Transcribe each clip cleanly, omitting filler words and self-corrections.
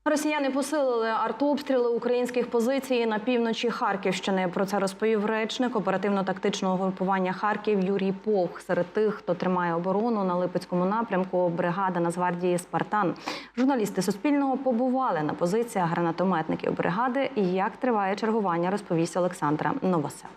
Росіяни посилили артобстріли українських позицій на півночі Харківщини. Про це розповів речник оперативно-тактичного групування «Харків» Юрій Повх. Серед тих, хто тримає оборону на Липецькому напрямку, бригада Нацгвардії «Спартан». Журналісти Суспільного побували на позиціях гранатометників бригади. І як триває чергування, розповість Олександра Новосел.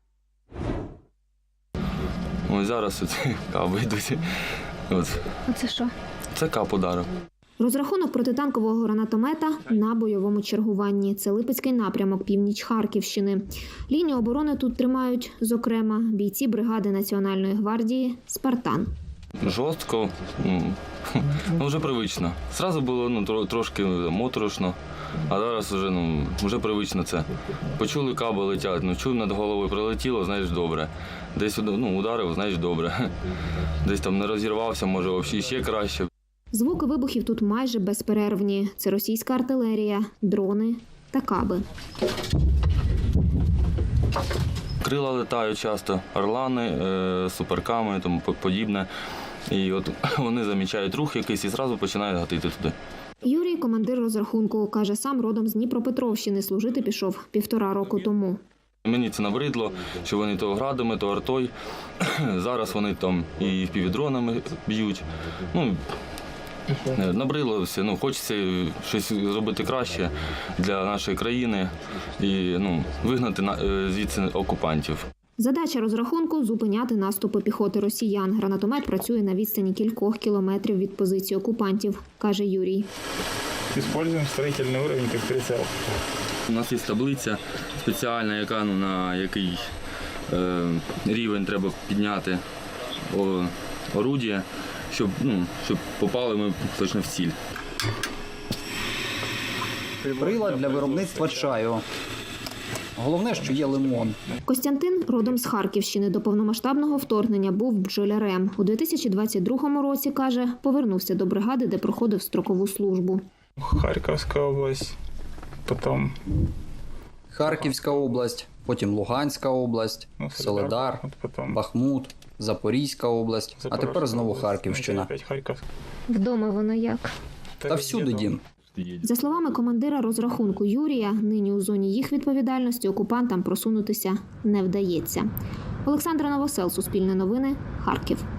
Ось зараз каби йдуть. Це що? Це кап ударив. Розрахунок протитанкового гранатомета на бойовому чергуванні. Це Липецький напрямок, північ Харківщини. Лінію оборони тут тримають, зокрема, бійці бригади Національної гвардії «Спартан». Жорстко, вже привично. Зразу було трошки моторошно, а зараз вже привично це. Почули, каби летять, чув над головою, прилетіло, знаєш, добре. Десь ударив, знаєш, добре. Десь там не розірвався, може, взагалі ще краще. Звуки вибухів тут майже безперервні. Це російська артилерія, дрони та каби. Крила летають часто, орлани, суперками і тому подібне. І от вони замічають рух якийсь і одразу починають гатити туди. Юрій – командир розрахунку. Каже, сам родом з Дніпропетровщини. Служити пішов 1,5 року тому. Мені це набридло, що вони то градами, то артою. Зараз вони там і впівдронами б'ють. Набрило все, хочеться щось зробити краще для нашої країни і вигнати звідси окупантів. Задача розрахунку – зупиняти наступи піхоти росіян. Гранатомет працює на відстані кількох кілометрів від позиції окупантів, каже Юрій. Використовуємо строїтельний рівень як прицел. У нас є таблиця спеціальна, яка на який рівень треба підняти орудія, щоб попали ми точно в ціль. Прилад для виробництва чаю. Головне, що є лимон. Костянтин родом з Харківщини. До повномасштабного вторгнення був бджолярем. У 2022 році, каже, повернувся до бригади, де проходив строкову службу. Харківська область, потім... Харківська область, потім Луганська область, Солидар, Бахмут, Запорізька область, а тепер знову Харківщина. Вдома воно як? Та всюди дім. За словами командира розрахунку Юрія, нині у зоні їх відповідальності окупантам просунутися не вдається. Олександра Новосел, Суспільне новини, Харків.